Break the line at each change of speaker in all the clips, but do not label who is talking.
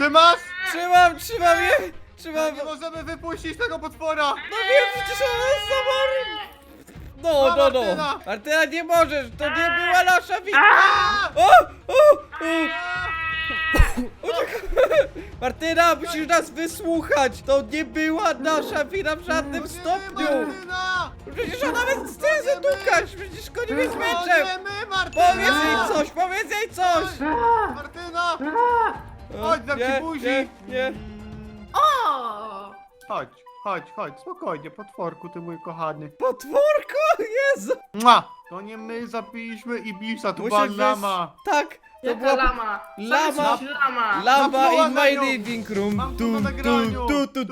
Ty masz?
Trzymam je! Trzymam!
Nie możemy wypuścić tego potwora!
No wiem, przecież ona jest zamarł! No.
Martyna!
Martyna, nie możesz! To nie była nasza wina!
A!
O! Martyna, musisz nas wysłuchać! To nie była nasza wina w żadnym stopniu!
Martyna!
Przecież ona nawet chce zadukać! Przecież go nie jest
To
meczem!
nie my, Martyna!
Powiedz jej coś!
Martyna! Chodź, dam ci buzi!
nie.
O!
Chodź, spokojnie, potworku, ty mój kochany.
Potworko! Jezu!
Mua! To nie my zabiliśmy Ibisa, to była
Musisz
lama.
Tak! To
Jaka
była
lama?
Lama.
Co jest lama?
lama
Napluła
in
na
my
nią.
living room.
Mam to na nagraniu.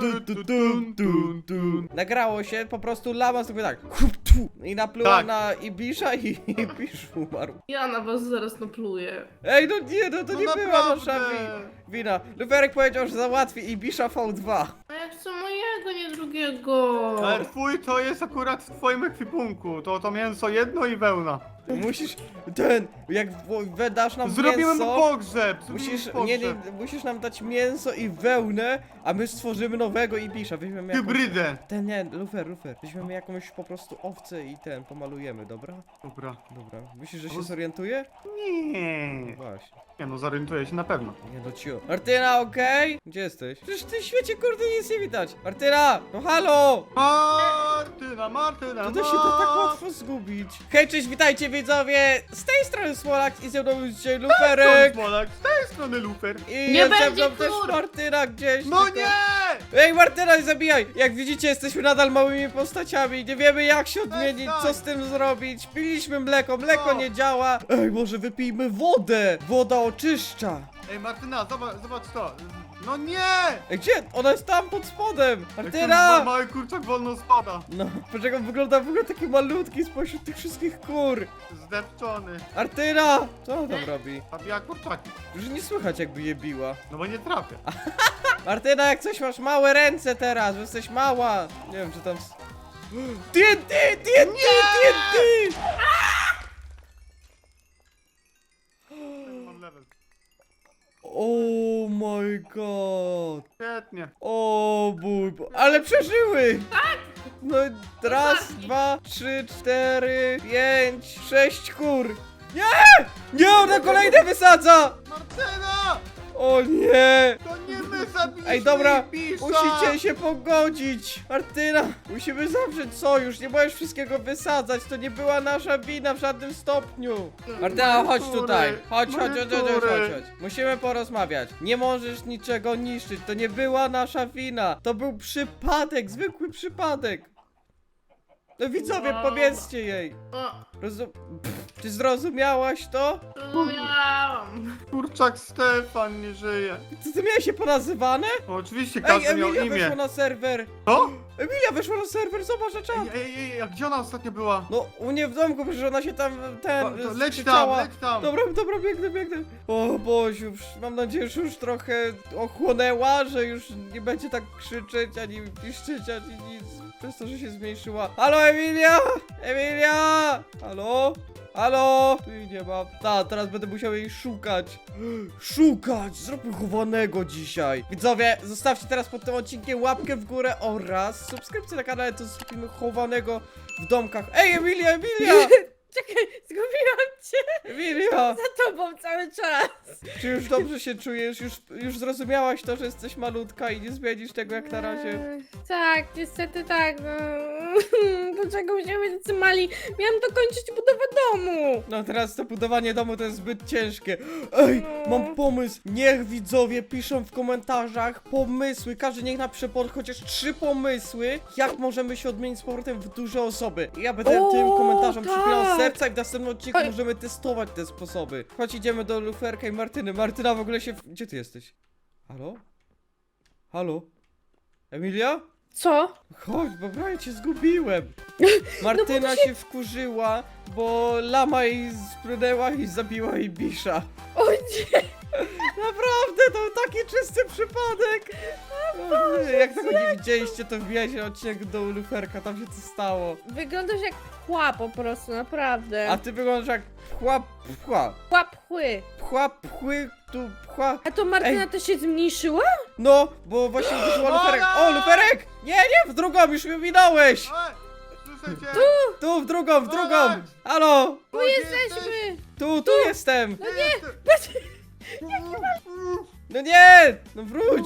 Nagrało się, po prostu lama sobie tak hup, tu, i napluła
Tak.
na Ibisza i Ibisz umarł.
Ja na was zaraz napluję.
Ej, no nie, no to
No
nie była nasza
naprawdę.
wina. Luferek powiedział, że załatwi Ibisza V2.
A ja chcę mojego, nie drugiego.
Ale twój to jest akurat w twoim ekwipunku. To mięso jedno i wełna.
Musisz, jak dasz nam
Zrobimy mu
mięso,
pogrzeb.
musisz nam dać mięso i wełnę, a my stworzymy nowego Ibisza. Weźmiemy jakąś,
Hybrydę.
nie, Lufer. Weźmiemy jakąś po prostu owcę i pomalujemy, dobra?
Dobra.
Dobra. Myślisz, że się zorientuje?
Nie.
No właśnie.
Nie no, zorientuję się na pewno.
Nie no ciu. Martyna, okej? Gdzie jesteś? Przecież w tym świecie kurde nic nie widać. Martyna! No halo!
Martyna.
To się da tak łatwo zgubić. Hej, cześć, witajcie widzowie! Z tej strony Smolak i ze mną jest dzisiaj Luferek!
Z tej strony Lufer.
I
Nie
jest ze
będzie
mną też
kur!
Martyna gdzieś.
No
tylko-
nie!
Ej, Martyna, nie zabijaj! Jak widzicie, jesteśmy nadal małymi postaciami. Nie wiemy jak się odmienić, co z tym zrobić. Piliśmy mleko
No.
nie działa. Ej, może wypijmy wodę! Woda oczyszcza.
Ej Martyna, zobacz to. No nie!
Ej, gdzie? Ona jest tam pod spodem!
Jak ten
Martyna!
mały kurczak wolno spada.
No, dlaczego wygląda w ogóle taki malutki spośród tych wszystkich kur?
Zdepczony.
Martyna! Co ona tam robi?
Zabija kurczaki.
Już nie słychać jakby je biła.
No bo nie trafię.
Martyna, jak coś masz małe ręce teraz, bo jesteś mała. Nie wiem, czy tam... TNT!
Mam level.
Oh my god!
Świetnie.
O mój ale przeżyły! Tak! No raz, dwa, trzy, cztery, pięć, sześć kur! Nie! Nie, ona kolejne wysadza!
Martyna!
O nie!
To nie my zabiliśmy
Ej, dobra,
Ibisa!
musicie się pogodzić! Martyna, musimy zawrzeć sojusz, nie możesz wszystkiego wysadzać, to nie była nasza wina w żadnym stopniu! Martyna, chodź
kury,
tutaj, chodź.
moje kury.
Musimy porozmawiać. Nie możesz niczego niszczyć, to nie była nasza wina, to był przypadek, zwykły przypadek! No widzowie,
Wow.
powiedzcie jej!
O,
Ty zrozumiałaś to?
zrozumiałam.
Kurczak Stefan nie żyje.
Co ty miałeś się ponazywane?
No, oczywiście
Ej,
każdy miał
Emilia
imię.
weszła na serwer!
Co?
Emilia weszła na serwer, zobacz na czat!
A gdzie ona ostatnio była?
No, u mnie w domku, przecież ona się tam,
To leć
skrzyczała.
tam, leć tam.
Dobra, biegnę. O Boziu, mam nadzieję, że już trochę ochłonęła, że już nie będzie tak krzyczeć, ani piszczeć, ani nic, przez to, że się zmniejszyła. Halo, Emilia! Emilia! Halo? Tu jej nie ma. Teraz będę musiał jej szukać. Zróbmy chowanego dzisiaj. Widzowie, zostawcie teraz pod tym odcinkiem łapkę w górę oraz subskrypcję na kanale, to zrobimy chowanego w domkach. Ej, Emilia!
Czekaj, zgubiłam cię
Emilia!
za tobą cały czas.
Czy już dobrze się czujesz? Już zrozumiałaś to, że jesteś malutka i nie zmienisz tego jak na razie?
Tak, niestety tak. No. Dlaczego musimy być tacy mali? Miałam dokończyć budowę domu.
No teraz to budowanie domu to jest zbyt ciężkie. Ej, mam pomysł. Niech widzowie piszą w komentarzach pomysły. Każdy niech napisze chociaż 3 pomysły, jak możemy się odmienić z powrotem w duże osoby. I ja będę
O,
tym komentarzom przypinał
tak.
serca i w następnym odcinku
Ej.
możemy testować te sposoby. Chodź, idziemy do Luferka i Martyny. Martyna w ogóle się... Gdzie ty jesteś? Halo? Emilia?
Co?
Chodź, bo prawie cię zgubiłem. Martyna
No
się wkurzyła, bo lama jej sprunęła i zabiła jej bisza.
O nie.
Naprawdę, to taki czysty przypadek. Jak tego nie widzieliście, to wbijajcie na odcinek do Luferka, tam się co stało.
Wyglądasz jak pchła po prostu, naprawdę.
A ty wyglądasz jak pchła.
Pchła pchły.
Pchły, tu pchła.
A to Martyna
Ej.
też się zmniejszyła?
No, bo właśnie uderzyła Luferek. O, Luferek! Nie, w drugą, już mnie minąłeś!
Ej, słyszę cię!
Tu, w drugą! Halo!
Tu
Jesteśmy!
Tu jestem!
No nie!
No nie! No wróć!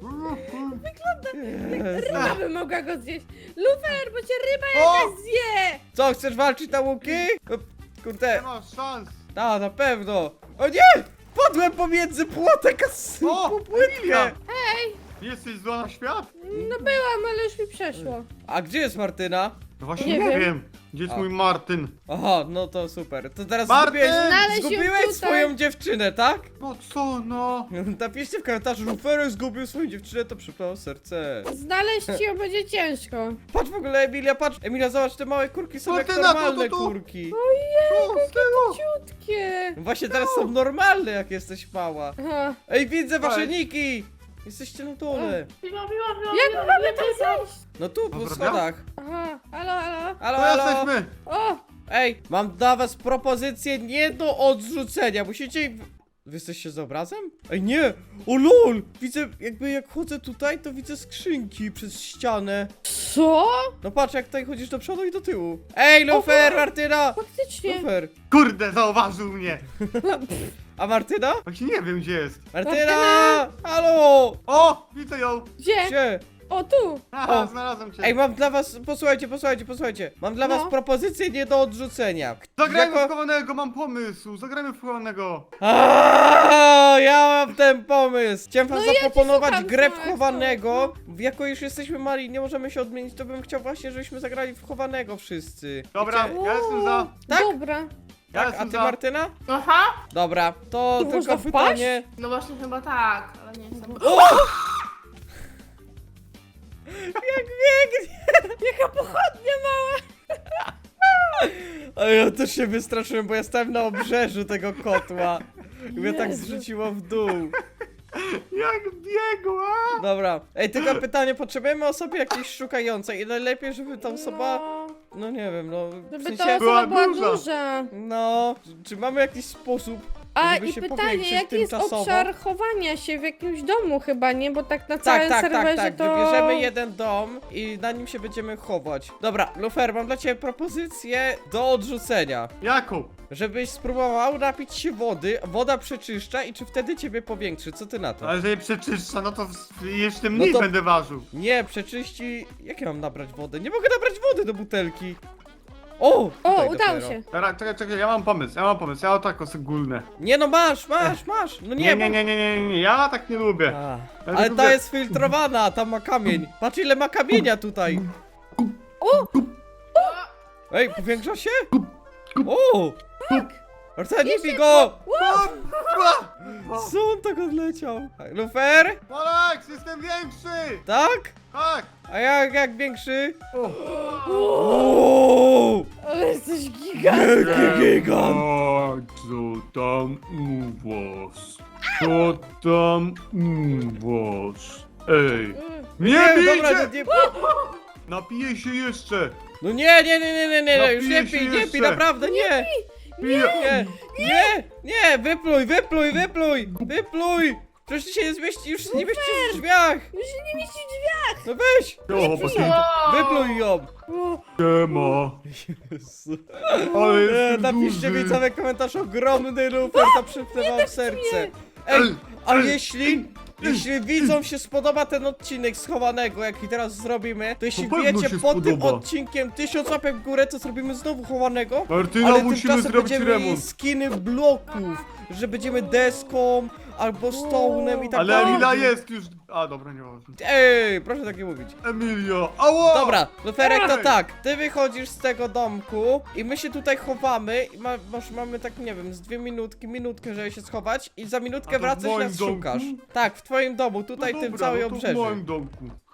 Ryba by mogła go zjeść. Lufer, bo cię ryba
O!
jakaś zje!
Co, chcesz walczyć na łuki? O,
Nie
kurde,
masz szans!
na pewno! O nie! Padłem pomiędzy płotek a
O,
płytkę!
Emilia! Jesteś zła na świat?
No byłam, ale już mi przeszło.
A gdzie jest Martyna?
No właśnie
Nie
nie
wiem.
wiem. Gdzie jest
A.
mój Martyn?
Aha, no to super. To teraz
Martyn!
Znaleźć ją
zgubiłeś
tutaj.
swoją dziewczynę, tak?
No co no?
Napiszcie w komentarzu, Luferek zgubił swoją dziewczynę, to przypał serce.
Znaleźć ją będzie ciężko.
Patrz w ogóle, Emilia, patrz! Emilia, zobacz, te małe kurki są jak
Martyna,
normalne
tu.
kurki.
Co z tego?
Ciutkie.
Właśnie teraz są normalne, jak jesteś mała.
Aha.
Ej, widzę wasze
Ej.
niki! Jesteście na dole.
Piła,
Jak mamy tam zejść?
No tu, po
Dobra.
schodach.
Aha, halo.
Halo,
To
halo.
jesteśmy!
O,
Ej, mam dla was propozycję nie do odrzucenia. Musicie... Wy jesteście z obrazem? Ej, nie! O lol! Widzę, jakby jak chodzę tutaj, to widzę skrzynki przez ścianę.
co?
No patrz, jak tutaj chodzisz do przodu i do tyłu. Ej, Lufer, Martyna!
Faktycznie.
Lufer.
Kurde, zauważył mnie!
A Martyna?
Właśnie nie wiem gdzie jest.
Martyna! Halo!
O! Widzę ją!
Gdzie?
Gdzie?
O, tu.
Aha,
O.
znalazłem cię.
Ej, mam dla was, posłuchajcie. Mam dla was
No.
propozycję nie do odrzucenia.
Zagrajmy
Jako-
w chowanego, mam pomysł! Zagrajmy w chowanego!
Ja mam ten pomysł! Chciałem wam
No ja cię
zaproponować
słucham,
grę w
Sławek,
chowanego. Jako już jesteśmy mali, nie możemy się odmienić, to bym chciał właśnie, żebyśmy zagrali w chowanego wszyscy.
Dobra,
Wiecie?
ja jestem za.
Tak?
Dobra.
Ja
Tak, a
jestem
ty
za.
Martyna?
Aha,
Dobra, to
Tu
tylko
można wpaść?
pytanie.
no właśnie chyba tak, ale nie jestem.
Jak biegnie!
Jaka pochodnia mała.
A ja też się wystraszyłem, bo ja stałem na obrzeżu tego kotła. I mnie tak
Jezu.
zrzuciło w dół.
Jak biegła!
Dobra. Ej, tylko pytanie, potrzebujemy osoby jakiejś szukającej i najlepiej, żeby ta osoba... No nie wiem, no... w
Żeby
sensie-
ta osoba była
duża.
duża.
No, czy mamy jakiś sposób,
A
żeby
i
się
pytanie,
powiększyć
jaki jest
tymczasowo?
obszar chowania się w jakimś domu chyba, nie? Bo tak na całym serwerze
tak.
to...
Wybierzemy jeden dom i na nim się będziemy chować. Dobra, Lufer, mam dla ciebie propozycję do odrzucenia.
Jaką?
Żebyś spróbował napić się wody, woda przeczyszcza i czy wtedy ciebie powiększy, co ty na to?
Ale jeżeli przeczyszcza, no to jeszcze
No
mniej
to-
będę ważył.
Nie, przeczyści... Jak ja mam nabrać wodę? Nie mogę nabrać wody do butelki. O!
O,
tutaj
udało
dopiero.
się.
Dobra, czekaj, ja mam pomysł, ja o tak ogólne.
Nie no, masz! No nie,
Nie, ja tak nie lubię.
A,
Ja
ale
lubię-
ta jest filtrowana, tam ma kamień. Patrz ile ma kamienia tutaj.
O!
Ej, powiększa się? O! Marta, nie bij go! Co on tak odleciał? Lufer?
Polak, jestem większy!
Tak?
Tak!
A jak większy?
O, ale jesteś giga.
Gigant!
Co tam u was? Co tam u was? Ej, nie
dobra,
bijcie!
nie,
Napiję się jeszcze!
no nie, już
Napiję
nie
się
pij,
jeszcze.
naprawdę nie!
Piję!
Nie, wypluj! Przecież ty się nie zmieści, już się nie mieści w drzwiach!
Już się nie mieści w drzwiach.
No weź!
O, bo ty
Wypluj ją!
O,
nie ma! Ale jestem
Napiszcie
duży.
mi cały komentarz ogromny Lufer, to przypnę wam serce. Ej, a jeśli widzom się spodoba ten odcinek schowanego, jaki teraz zrobimy, to jeśli
To pewno
wiecie
się
pod tym
spodoba.
odcinkiem 1000 łapek w górę, to zrobimy znowu chowanego.
Martyna,
Ale
musimy
tymczasem
zrobić
będziemy mieli
remont.
skiny bloków, że będziemy deską albo stone'em i tak
Ale
dalej.
Emilia jest już... A, dobra, nieważne.
Ej, proszę tak nie mówić.
Emilia, ała!
Dobra, Luferek, to
Ej!
tak, ty wychodzisz z tego domku i my się tutaj chowamy i mamy tak, nie wiem, z 2 minutkę, żeby się schować i za minutkę
A to w
wracasz i
moim
nas
domku?
szukasz. Tak, w twoim domu, tutaj
No
tym
dobra,
całej
no to w
obrzeży.
moim domku.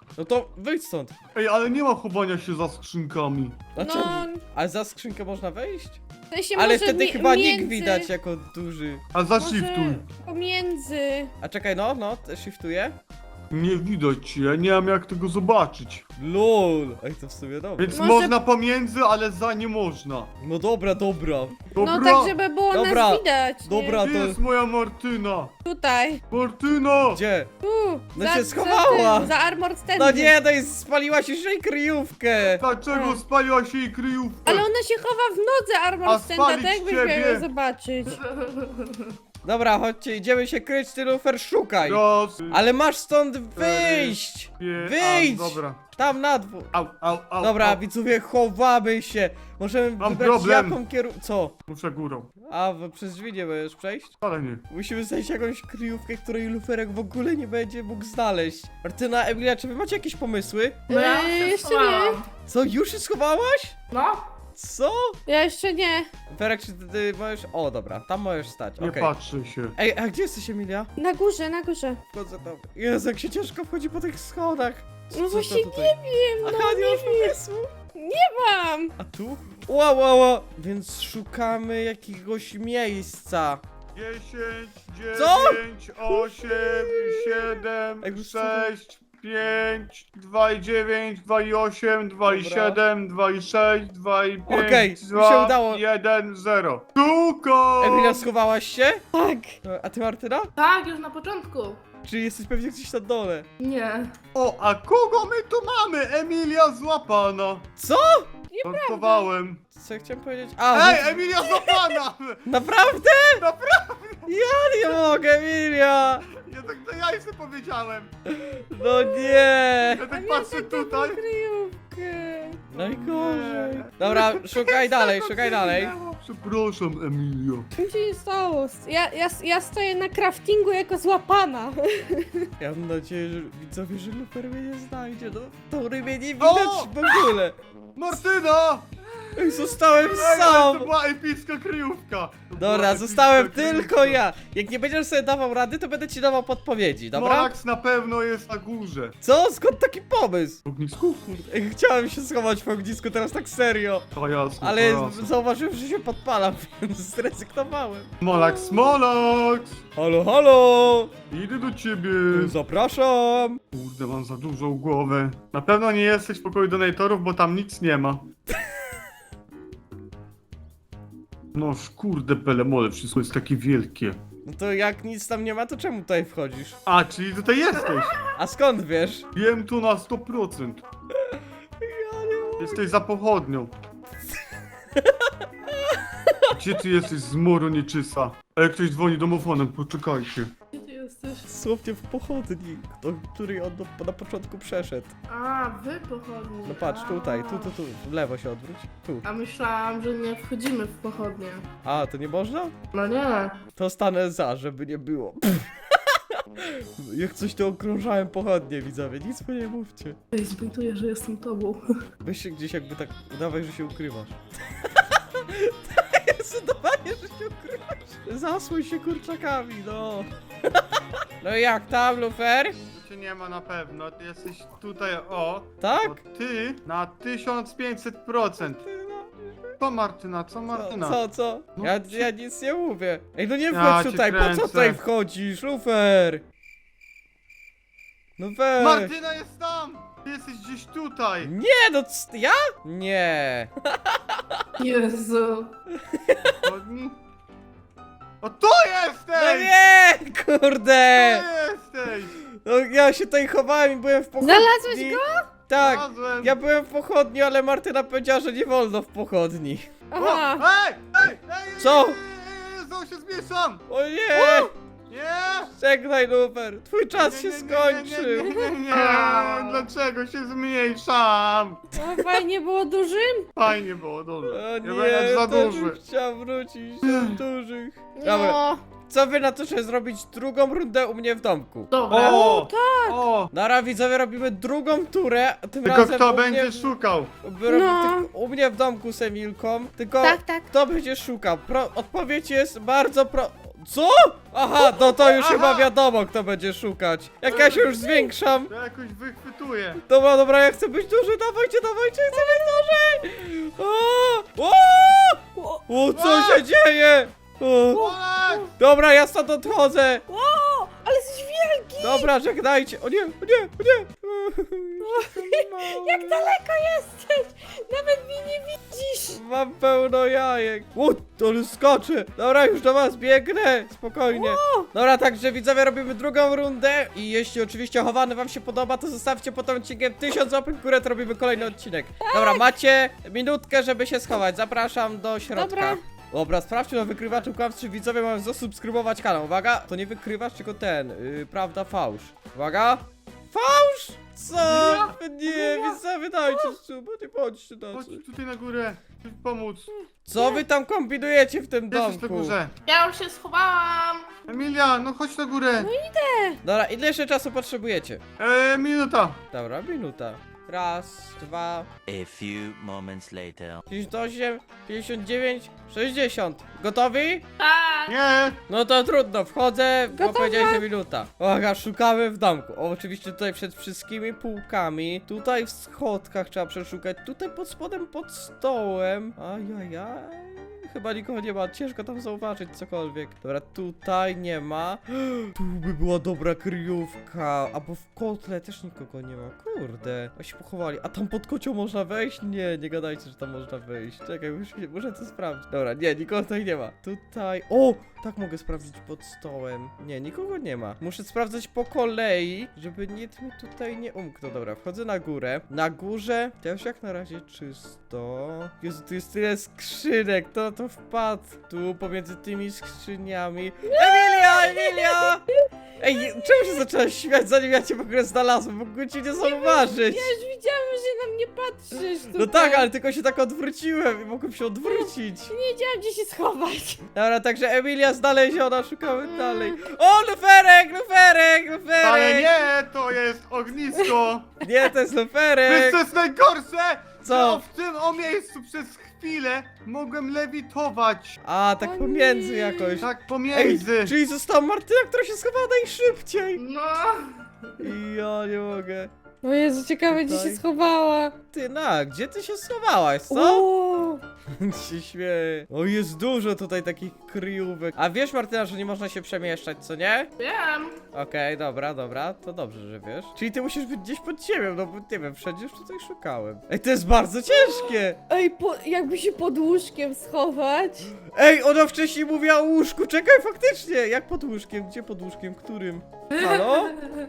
No to wyjdź stąd.
Ej, ale nie ma chowania się za skrzynkami.
Dlaczego?
No,
Ale za skrzynkę można wejść?
w sensie
Ale
może
wtedy
mi-
chyba nick
między-
widać jako duży.
A zashiftuj.
Pomiędzy.
A czekaj, no, shiftuję.
Nie widać cię, ja nie mam jak tego zobaczyć.
LOL. Ej, to w sumie dobra.
Więc
Może-
można pomiędzy, ale za nie można.
No dobra.
Dobra.
No tak, żeby było
Dobra,
nas widać.
dobra.
Gdzie
to-
jest moja Martyna?
Nie? Tutaj.
Martyna!
Gdzie?
Tu.
No
za,
się
za
schowała.
tym, Za Armored Stand.
No nie, no i spaliłaś już jej kryjówkę.
Dlaczego spaliła się jej kryjówkę?
Ale ona się chowa w nodze
A
Armored Standa,
spalić
tak jakbyś miał
ciebie?
ją zobaczyć.
Dobra, chodźcie, idziemy się kryć, ty Lufer, szukaj.
Raz,
Ale masz stąd wyjść. Wyjdź.
A, dobra.
Tam na dwór.
Au.
Dobra,
au.
widzowie, chowamy się. Możemy
Mam
wybrać
problem.
jaką Co?
Muszę górą.
A, przez drzwi nie będziesz przejść?
Ale nie.
Musimy znaleźć jakąś kryjówkę, której Luferek w ogóle nie będzie mógł znaleźć. Martyna, Emilia, czy wy macie jakieś pomysły?
No ja się
jeszcze
schowałam.
Co, już się schowałaś?
No,
Co?
Ja jeszcze nie.
Luferek, czy ty możesz... O, dobra, tam możesz stać,
Nie
okej.
patrzę się.
Ej, a gdzie jesteś, Emilia?
Na górze, na górze.
Wchodzę tam. Jezu, jak się ciężko wchodzi po tych schodach.
No
Co
właśnie
to tutaj?
nie wiem, no
Aha, nie
nie
masz
wiem.
pomysłu?
Mam.
A tu? Ła. Więc szukamy jakiegoś miejsca.
10,
Co?
9, 8, 7,
Ej, wiesz co?
6, 5, 2 i 9, 2 i 8, 2 i
Dobra.
7, 2 i 6, 2 i 5,
Okej, mi się
2,
udało.
1, 0. Tuko!
Emilia, schowałaś się?
Tak.
A ty, Martyna?
tak, już na początku.
Czy jesteś pewnie gdzieś na dole?
Nie.
O, a kogo my tu mamy? Emilia złapana.
Co?
Żartowałem.
Co ja chciałem powiedzieć? A,
Ej, Emilia złapana!
naprawdę?
Naprawdę?
Ja nie mogę, Emilia!
Ja tak to ja jeszcze powiedziałem.
No nie!
Ja tak patrzę tutaj.
Kryjówkę.
Najgorzej. Dobra, szukaj dalej, szukaj dalej.
Przepraszam, Emilio.
Co się stało? Ja stoję na craftingu jako złapana.
Ja mam nadzieję, że widzowie, że Lufer mnie nie znajdzie. No, to rybie nie widać w ogóle.
Martyna!
Ej, zostałem
Ej, ale
sam.
to była epicka kryjówka. To była
Dobra,
epicka
zostałem
kryjówka.
tylko ja. Jak nie będziesz sobie dawał rady, to będę ci dawał podpowiedzi, dobra?
Morax na pewno jest na górze.
Co? Skąd taki pomysł?
W ognisku?
Ej, chciałem się schować w ognisku, teraz tak serio.
To jasne,
Ale
to jasne.
zauważyłem, że się podpalam, więc zrezygnowałem.
Molax!
Halo!
Idę do ciebie.
Zapraszam!
Kurde, mam za dużą głowę. Na pewno nie jesteś w pokoju donatorów, bo tam nic nie ma. No kurde, belemole, wszystko jest takie wielkie.
No to jak nic tam nie ma, to czemu tutaj wchodzisz?
A, czyli tutaj jesteś.
A skąd wiesz?
Wiem tu na 100%. Jesteś za pochodnią. Gdzie ty jesteś, zmoro nieczysta? A jak ktoś dzwoni domofonem, poczekajcie.
Gdzie ty jesteś?
Dosłownie w pochodni, do której on na początku przeszedł.
A, wy pochodnie.
No patrz, tutaj, tu, w lewo się odwróć. Tu.
A myślałam, że nie wchodzimy w pochodnie.
A, to nie można?
No nie.
To stanę za, żeby nie było. Jak coś to okrążałem pochodnie, widzowie, nic mu nie mówcie.
Ej, zbuntuję, że jestem tobą.
Weź się gdzieś jakby tak, udawaj, że się ukrywasz. Jest udawanie, że się ukrywasz. Zasłuj się kurczakami, no. No i jak tam, Lufer?
Tu cię nie ma na pewno, ty jesteś tutaj, o.
Tak?
To ty na 1500%. Co Martyna, co Martyna?
Co?
No,
Ja nic nie mówię. Ej, no nie
Ja
wchodź
cię
tutaj, po co
kręcę.
tutaj wchodzisz, Lufer? No weź.
Martyna jest tam! Ty jesteś gdzieś tutaj!
Nie, no ja? Nie.
Jezu.
Chodni? O tu jesteś!
No nie, kurde.
Tu jesteś!
No ja się tutaj chowałem i byłem w pochodni.
Znalazłeś
go? Tak.
Znalazłem.
Ja byłem w pochodni, ale Martyna powiedziała, że nie wolno w pochodni.
Aha.
Ej!
Co?
Znowu się zmieszam!
O nie!
Nie!
Żegnaj, Lufer. Twój czas się
Nie,
skończył.
nie, dlaczego się zmniejszam?
No, fajnie było dużym?
Fajnie było, dobrze.
O
Ja będę
nie,
za
to
duży.
bym chciał wrócić do dużych. Dobra,
No.
co wy na to, żeby zrobić drugą rundę u mnie w domku?
Dobra.
O! O!
Nara, widzowie, robimy drugą turę, a tym
Tylko
razem
kto
u mnie,
będzie szukał?
No.
u mnie w domku z Emilką, tylko
Tak, tak.
kto będzie szukał? Odpowiedź jest bardzo Co? Aha, no to już
Aha.
chyba wiadomo, kto będzie szukać. Jak ja się już zwiększam.
To jakoś wychwytuję.
Dobra, ja chcę być duży, dawajcie, chcę być duży! O, co się dzieje? O,
Olek!
dobra, ja stąd odchodzę.
O, ale jesteś wielki!
Dobra, żegnajcie. O nie.
Jak daleko jesteś? Nawet mnie nie widzisz!
Mam pełno jajek. Ale skoczę. Dobra, już do was biegnę. Spokojnie. Dobra, także widzowie, robimy drugą rundę. I jeśli oczywiście chowany wam się podoba, to zostawcie pod tym odcinkiem 1000 łapek w górę, to robimy kolejny odcinek. Dobra, macie minutkę, żeby się schować. Zapraszam do środka. Dobra, sprawdźcie na wykrywaczu kłamstw, czy widzowie mają zasubskrybować kanał. Uwaga, to nie wykrywacz, tylko ten, prawda, fałsz. Uwaga. Fałsz? Co? Nie, widzowie, dajcie suba, nie bądźcie
Chodź
tacy.
tutaj na górę. Chcę pomóc.
Co wy tam kombinujecie w tym
Jesteś na
domku?
górze.
Ja już się schowałam.
Emilia, no chodź na górę.
Dobra, ile jeszcze czasu potrzebujecie?
Minuta.
Dobra, minuta. Raz, dwa,
A few moments later.
58, 59, 60. Gotowi?
Tak.
Nie.
No to trudno, wchodzę, bo
Gotowa.
powiedziałeś, że minuta. Uwaga, szukamy w domku. O, oczywiście tutaj przed wszystkimi półkami. Tutaj w schodkach trzeba przeszukać. Tutaj pod spodem, pod stołem. Ajajaj. Chyba nikogo nie ma, ciężko tam zauważyć cokolwiek. Dobra, tutaj nie ma. Tu by była dobra kryjówka. Albo w kotle też nikogo nie ma. Kurde, a się pochowali. A tam pod kocią można wejść? Nie gadajcie, że tam można wejść. Czekaj, muszę to sprawdzić. Dobra, nie, nikogo tutaj nie ma. Tutaj, o, tak mogę sprawdzić pod stołem. Nie, nikogo nie ma. Muszę sprawdzać po kolei, żeby nikt mi tutaj nie umknął. Dobra, wchodzę na górę. Na górze też jak na razie czysto. Jezu, tu jest tyle skrzynek, to wpadł tu pomiędzy tymi skrzyniami. Emilia! Ej, czemu się zaczęłaś śmiać, zanim ja cię w ogóle znalazłem? Mogłem cię nie zauważyć.
Ja już widziałam, że na mnie patrzysz tutaj.
No tak, ale tylko się tak odwróciłem i mogłem się odwrócić.
Nie wiedziałam, gdzie się schować.
Dobra, także Emilia znaleziona, szukamy dalej. O, luferek!
Ale nie, to jest ognisko.
Nie, to jest
Wiesz
luferek!
co jest najgorsze?
Co?
Że w tym miejscu przez chwilę mogłem lewitować.
A, tak
O
pomiędzy
nie.
jakoś.
Tak
Ej,
pomiędzy.
czyli została Martyna, która się schowała najszybciej.
No.
I ja nie mogę.
O Jezu, ciekawe, gdzie
Tutaj.
się schowała.
Tyna, gdzie ty się schowałaś, co?
O,
się śmieję. O, jest dużo tutaj takich kryjówek. A wiesz, Martyna, że nie można się przemieszczać, co nie?
Wiem.
Okej, dobra, to dobrze, że wiesz. Czyli ty musisz być gdzieś pod ziemią, no bo nie wiem, wszędzie już tutaj szukałem. Ej, to jest bardzo ciężkie!
Ej, jakby się pod łóżkiem schować.
Ej, ona wcześniej mówiła o łóżku, czekaj, faktycznie! Jak pod łóżkiem? Gdzie pod łóżkiem? Którym? Halo?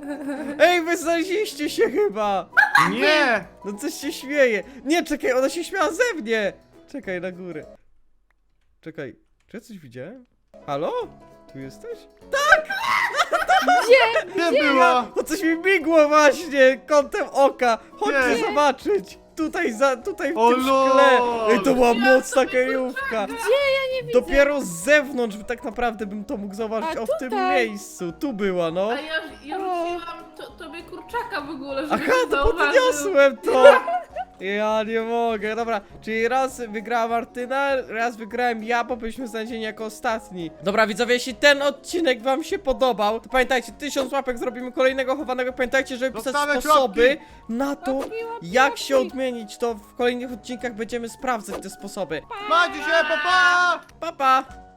Ej, wy znaleźliście się chyba!
Nie.
No coś się śmieje. Nie, czekaj, ona się śmiała ze mnie! Czekaj, na górę. Czekaj, czy ja coś widziałem? Halo? Tu jesteś?
Gdzie była?
O, coś mi migło właśnie kątem oka. Chodźcie
Gdzie?
zobaczyć. Tutaj w
O
tym
lol.
szkle. Ej, to była mocna kryjówka.
Gdzie? Ja nie widzę.
Dopiero z zewnątrz tak naprawdę bym to mógł zauważyć.
A
O, w tym
tutaj?
miejscu. Tu była, no.
A ja rzuciłam tobie kurczaka w ogóle, żeby
Aha,
cię
to
zauważył.
podniosłem to. Ja nie mogę. Dobra, czyli raz wygrała Martyna, raz wygrałem ja, bo byliśmy znalezieni jako ostatni. Dobra, widzowie, jeśli ten odcinek wam się podobał, to pamiętajcie, 1000 łapek zrobimy kolejnego chowanego. Pamiętajcie, żeby pisać
Zostawiać
sposoby
łapki.
na to,
Łapki,
jak się
łapki.
odmienić. To w kolejnych odcinkach będziemy sprawdzać te sposoby.
Macie się, papa!
Pa, pa!